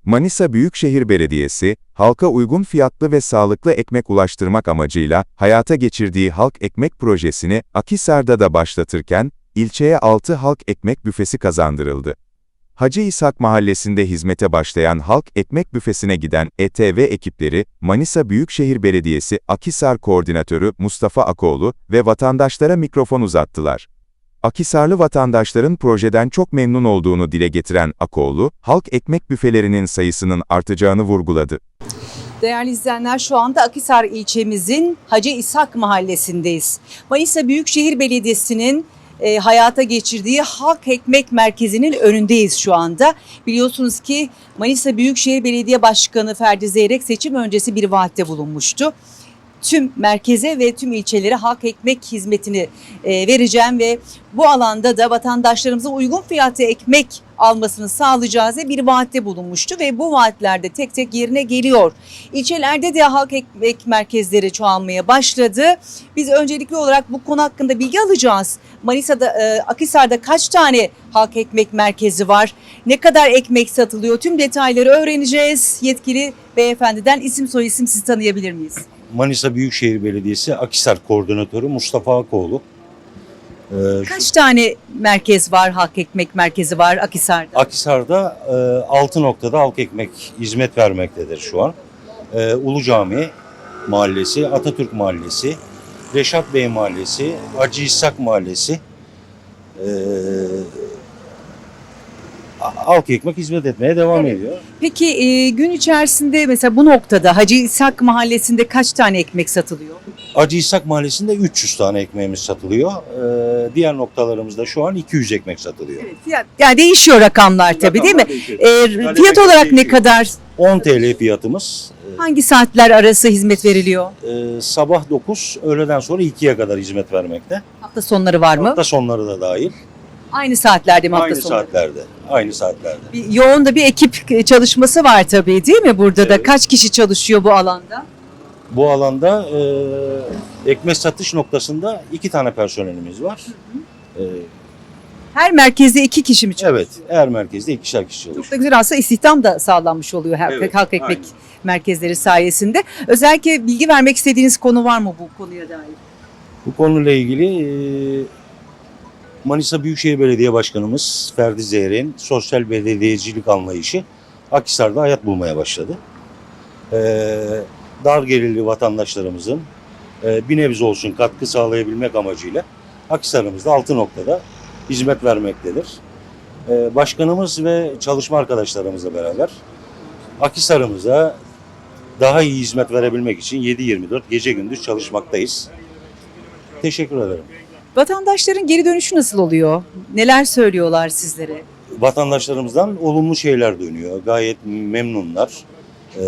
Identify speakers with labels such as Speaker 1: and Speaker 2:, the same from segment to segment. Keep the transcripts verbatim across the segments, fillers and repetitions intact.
Speaker 1: Manisa Büyükşehir Belediyesi, halka uygun fiyatlı ve sağlıklı ekmek ulaştırmak amacıyla hayata geçirdiği Halk Ekmek projesini Akhisar'da da başlatırken, ilçeye altı halk ekmek büfesi kazandırıldı. Hacı İshak Mahallesi'nde hizmete başlayan Halk Ekmek Büfesi'ne giden E T V ekipleri, Manisa Büyükşehir Belediyesi Akhisar Koordinatörü Mustafa Akoğlu ve vatandaşlara mikrofon uzattılar. Akhisarlı vatandaşların projeden çok memnun olduğunu dile getiren Akoğlu, halk ekmek büfelerinin sayısının artacağını vurguladı.
Speaker 2: Değerli izleyenler, şu anda Akhisar ilçemizin Hacı İshak Mahallesi'ndeyiz. Manisa Büyükşehir Belediyesi'nin e, hayata geçirdiği Halk Ekmek Merkezi'nin önündeyiz şu anda. Biliyorsunuz ki Manisa Büyükşehir Belediye Başkanı Ferdi Zeyrek seçim öncesi bir vaatte bulunmuştu. Tüm merkeze ve tüm ilçelere halk ekmek hizmetini e, vereceğim ve bu alanda da vatandaşlarımıza uygun fiyatlı ekmek almasını sağlayacağız diye bir vaatte bulunmuştu ve bu vaatler de tek tek yerine geliyor. İlçelerde de halk ekmek merkezleri çoğalmaya başladı. Biz öncelikli olarak bu konu hakkında bilgi alacağız. Manisa'da, e, Akhisar'da kaç tane halk ekmek merkezi var? Ne kadar ekmek satılıyor? Tüm detayları öğreneceğiz. Yetkili beyefendiden isim soyisim sizi tanıyabilir miyiz?
Speaker 3: Manisa Büyükşehir Belediyesi Akhisar Koordinatörü Mustafa Akoğlu. Ee,
Speaker 2: Kaç tane merkez var, halk ekmek merkezi var Akhisar'da?
Speaker 3: Akhisar'da e, altı noktada halk ekmek hizmet vermektedir şu an. E, Ulu Cami Mahallesi, Atatürk Mahallesi, Reşat Bey Mahallesi, Hacı İshak Mahallesi, e, halk ekmek hizmet etmeye devam
Speaker 2: Evet.
Speaker 3: ediyor.
Speaker 2: Peki e, gün içerisinde mesela bu noktada Hacı İshak Mahallesi'nde kaç tane ekmek satılıyor?
Speaker 3: Hacı İshak Mahallesi'nde üç yüz tane ekmeğimiz satılıyor. E, diğer noktalarımızda şu an iki yüz ekmek satılıyor.
Speaker 2: Evet, fiyat, yani değişiyor rakamlar tabii değil mi? E, fiyat olarak ne kadar?
Speaker 3: on T L fiyatımız.
Speaker 2: Hangi saatler arası hizmet veriliyor?
Speaker 3: Ee, sabah dokuz, öğleden sonra ikiye kadar hizmet vermekte.
Speaker 2: Hafta sonları var mı?
Speaker 3: Hafta sonları da dahil.
Speaker 2: Aynı saatlerde mi hafta
Speaker 3: Aynı
Speaker 2: sonları?
Speaker 3: saatlerde. Aynı saatlerde.
Speaker 2: Bir, yoğun da bir ekip çalışması var tabii değil mi burada da?
Speaker 3: Evet.
Speaker 2: Kaç kişi çalışıyor bu alanda?
Speaker 3: Bu alanda e, ekmek satış noktasında iki tane personelimiz var. E,
Speaker 2: Her merkezde iki kişi mi çalışıyor?
Speaker 3: evet, her merkezde ikişer kişi
Speaker 2: Çok
Speaker 3: çalışıyor.
Speaker 2: da güzel, aslında istihdam da sağlanmış oluyor her
Speaker 3: Evet,
Speaker 2: halk ekmek
Speaker 3: aynen.
Speaker 2: merkezleri sayesinde. Özellikle bilgi vermek istediğiniz konu var mı bu konuya dair?
Speaker 3: Bu konuyla ilgili e, Manisa Büyükşehir Belediye Başkanımız Ferdi Zeyrek'in sosyal belediyecilik anlayışı Akhisar'da hayat bulmaya başladı. E, dar gelirli vatandaşlarımızın e, bir nebze olsun katkı sağlayabilmek amacıyla Akhisar'ımızda altı noktada hizmet vermektedir. E, başkanımız ve çalışma arkadaşlarımızla beraber Akhisar'ımıza daha iyi hizmet verebilmek için yedi yirmi dört gece gündüz çalışmaktayız. Teşekkür ederim.
Speaker 2: Vatandaşların geri dönüşü nasıl oluyor? Neler söylüyorlar sizlere?
Speaker 3: Vatandaşlarımızdan olumlu şeyler dönüyor. Gayet memnunlar. Ee,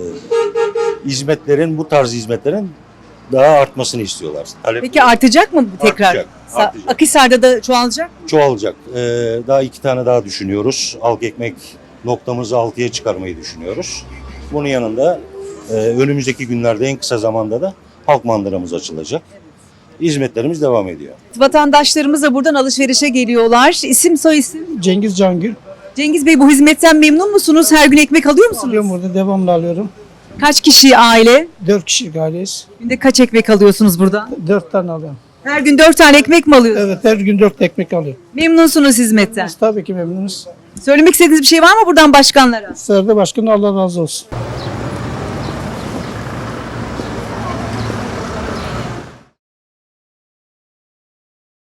Speaker 3: hizmetlerin, bu tarz hizmetlerin daha artmasını istiyorlar. Talep
Speaker 2: Peki artacak mı bu tekrar?
Speaker 3: Artacak,
Speaker 2: Sa-
Speaker 3: artacak.
Speaker 2: Akhisar'da da çoğalacak mı?
Speaker 3: çoğalacak. Ee, daha iki tane daha düşünüyoruz. Halk ekmek noktamızı altıya çıkarmayı düşünüyoruz. Bunun yanında e, önümüzdeki günlerde en kısa zamanda da halk mandıramız açılacak. Hizmetlerimiz devam ediyor.
Speaker 2: Vatandaşlarımız da buradan alışverişe geliyorlar. İsim soy isim.
Speaker 4: Cengiz Cangül.
Speaker 2: Cengiz Bey, bu hizmetten memnun musunuz? Her gün ekmek alıyor musunuz?
Speaker 4: Alıyorum burada, devamlı alıyorum.
Speaker 2: Kaç kişi aile?
Speaker 4: Dört kişilik aileyiz.
Speaker 2: Günde kaç ekmek alıyorsunuz buradan?
Speaker 4: Dört tane alıyorum.
Speaker 2: Her gün dört tane ekmek mi alıyorsunuz?
Speaker 4: Evet, her gün dört ekmek alıyorum.
Speaker 2: Memnunsunuz hizmetten.
Speaker 4: Biz tabii ki memnunuz.
Speaker 2: Söylemek istediğiniz bir şey var mı buradan başkanlara?
Speaker 4: Serde Başkanı Allah razı olsun.